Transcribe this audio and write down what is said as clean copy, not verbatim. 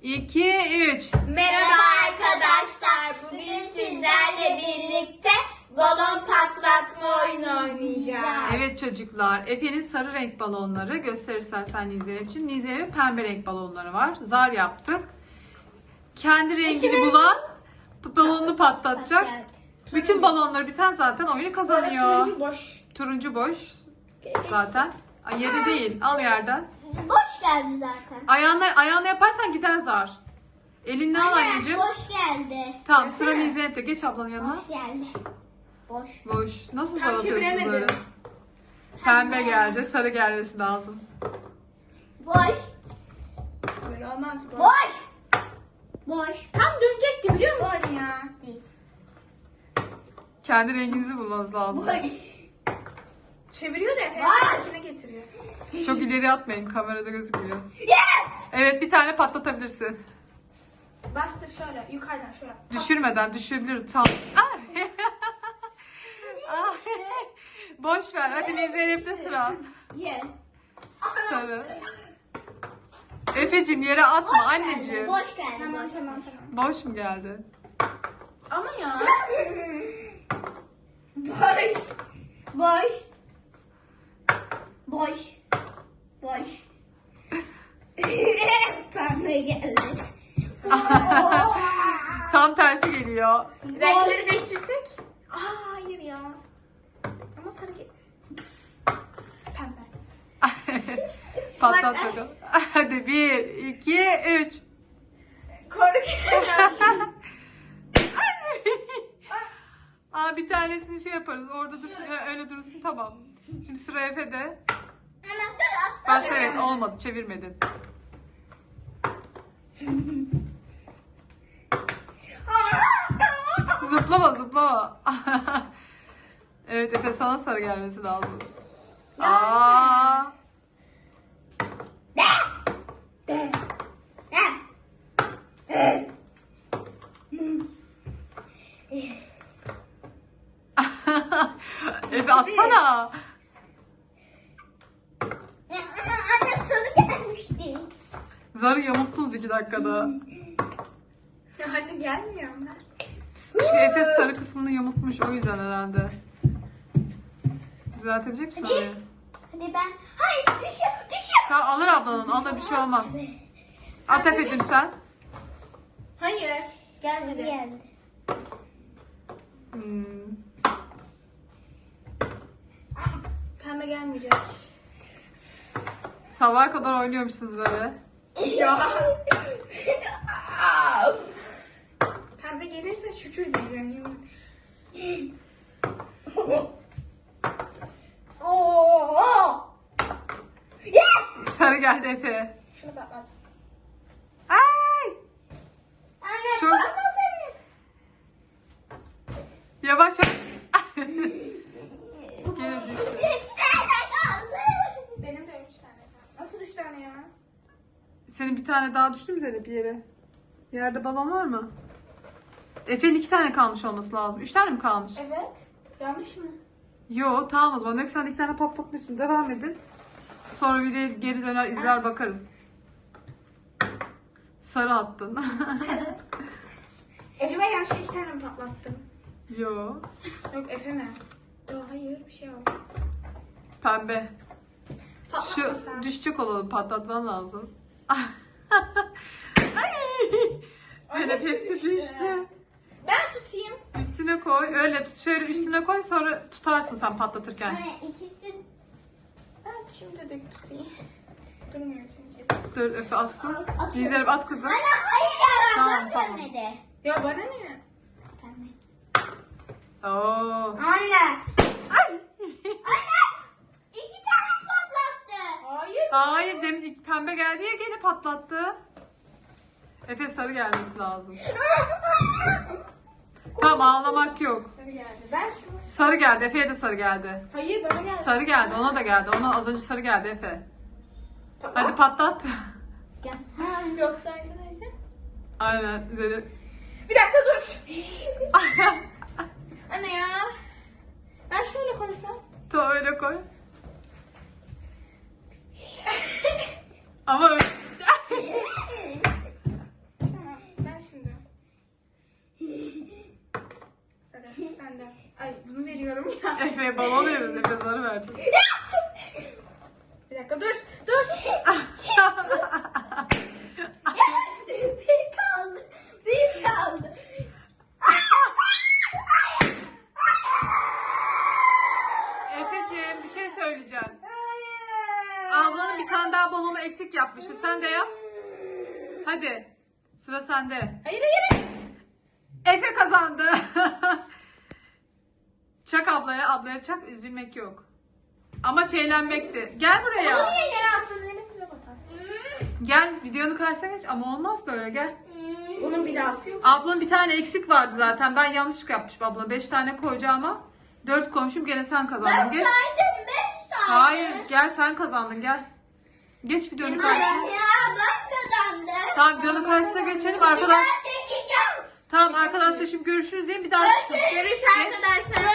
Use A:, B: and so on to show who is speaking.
A: 2, 3.
B: Merhaba arkadaşlar. Bugün sizlerle birlikte balon patlatma oyunu oynayacağız.
A: Evet çocuklar, Efe'nin sarı renk balonları göster istersen Nize'ye için. Nize'ye pembe renk balonları var. Zar yaptık. Kendi rengini bulan balonunu patlatacak. Bütün balonları biten zaten oyunu kazanıyor.
B: Turuncu boş.
A: Turuncu boş zaten. Ay, yeri değil, al yerden.
B: Boş geldi zaten.
A: Ayağınla yaparsan gider zar. Elinle al anneciğim.
B: Boş geldi.
A: Tamam, sıra Nize'ye. Geç ablanın yanına.
B: Boş geldi. Boş.
A: Boş. Nasıl zar
B: Tam
A: atıyorsun
B: çeviremedim.
A: böyle? Pembe geldi, sarı gelmesi lazım.
B: Boş. Böyle olmaz. Boş. Boş. Tam dönecekti biliyor musun? Boş ya. Değil.
A: Kendi renginizi bulmanız lazım.
B: Boş.
C: Çeviriyor da
B: Var.
C: içine getiriyor.
A: Çok ileri atmayın, kamerada gözükmüyor.
B: Yes.
A: Evet, bir tane patlatabilirsin.
C: Bastır şöyle yukarıdan şöyle.
A: Düşürmeden düşebilir tam. Ay. Ay. Boş ver. Hadi Zeynep'te sıra.
B: Yes.
A: Sarı. Efe'cim yere atma anneciğim.
B: Boş geldi.
C: Tamam
B: Boş.
C: tamam.
A: Boş mu geldi?
C: Ama ya.
B: Boş. Boş. Boş. Boş. Pembe geldi.
A: Tam tersi geliyor.
C: Renkleri değiştirsek. Aa hayır ya. Ama sarı gel. Pembe.
A: Patlat bakalım. Hadi 1, 2, 3.
C: Korkuyorum.
A: Aa, bir tanesini şey yaparız. Orada dursun. Öyle dursun, tamam. Şimdi sıra Efe'de. Başla, evet, olmadı. Çevirmedin. Zıplama zıplama. Evet Efe, sana sarı gelmesi lazım. Aa. Efe atsana.
B: Anne sarı gelmişti.
A: Zarı yamulttunuz 2 dakikada.
C: Ya hadi gelmiyor mu?
A: Çünkü Efe sarı kısmını yamultmuş, o yüzden herhalde. Düzeltebilecek misin orayı?
B: Hadi ben. Hayır düşüyor.
A: Tamam, alır ablanın. Alır, bir şey olmaz. At Efe'cim sen.
C: Hayır. Gelmedi.
B: Geldi.
A: Hmm.
C: Pembe gelmeyecek.
A: Sabaha kadar oynuyormuşsunuz böyle.
C: Ya. Pembe gelirse şükür diyeceğim.
B: Oo. Yes.
A: Sarı geldi Efe.
C: Şunu patlat.
A: Ay!
B: Anne
A: Çok-
B: patlatırım.
A: Yavaş yavaş. Geri düştü.
B: 3 tane kaldı.
C: Benim de 3 tane var. Nasıl 3 tane ya?
A: Senin bir tane daha düştü mü Zeynep bir yere? Yerde balon var mı? Efe'nin 2 tane kalmış olması lazım. 3 tane mi kalmış?
C: Evet. Yanlış mı?
A: Yo, tamam o zaman. Yok, sen 2 tane patlatmışsın. Devam edin. Sonra videoya geri döner izler bakarız. Sarı attın.
C: Acaba yanlışlıkla 2 tane mi patlattım?
A: Yo.
C: Yok Efe mi? Yok hayır bir şey oldu.
A: Pembe. Şu
C: Patlatmasam.
A: düşecek olanı patlatman lazım. Ay! Zeynep hepsi düştü.
C: Ben tutayım.
A: Üstüne koy. Öyle tut. Şöyle üstüne koy, sonra tutarsın sen patlatırken.
B: Anne ikisi.
C: Ben şimdi de tutayım. Durmuyor çünkü.
A: Dur Efe atsın.
B: Atıyorum.
A: Zeynep at kızım.
B: Anne hayır ya.
A: Tamam,
B: Tamam,
A: tamam.
B: dönmedi.
C: Ya bana ne?
B: Pembe.
A: Oo.
B: Anne. Anne. 2 tane patlattı.
C: Hayır.
A: Hayır, demin ilk pembe geldi ya, gene patlattı. Efe sarı gelmesi lazım. Tamam, ağlamak yok.
C: Sarı geldi. Ben şunu.
A: Sarı geldi. Efe'ye de sarı geldi.
C: Hayır bana geldi.
A: Sarı geldi. Ona da geldi. Ona az önce sarı geldi Efe.
C: Patlat.
A: Hadi patlat.
B: Gel.
C: Yoksa arkadaşlar.
A: Aynen. Zeynep.
C: Bir dakika dur. Anne ya. Ben şöyle koysam.
A: Ta öyle koy. Ama öyle... Efe balon veriyoruz. Efe zarı verecek.
C: Bir dakika dur. Dur.
B: Bir kaldı. Bir kaldı.
A: Efeciğim bir şey söyleyeceğim. Ablanın bir tane daha balonu eksik yapmıştı. Sen de yap. Hadi. Sıra sende.
C: Hayır hayır.
A: Efe kazandı. Çak ablaya. Ablaya çak. Üzülmek yok. Amaç eğlenmekti. Gel
C: Onu
A: buraya.
C: niye yere attın? Elimize batar.
A: Gel videonun karşısına geç. Ama olmaz böyle gel.
C: Bunun bir dahası yok.
A: Ablanın bir tane eksik vardı zaten. Ben yanlışlık yapmışım abla. 5 tane koyacağıma 4 koymuşum. Gene sen kazandın. Geç.
B: Saydım 5 saydım.
A: Hayır gel sen kazandın gel. Geç videonun karşısına.
B: Ya ben kazandım.
A: Tamam videonun karşısına geçelim. Arkadaş
B: Ben çekeceğim.
A: tamam arkadaşlar şimdi görüşürüz diye bir daha çıksın.
C: Görüş arkadaşlar.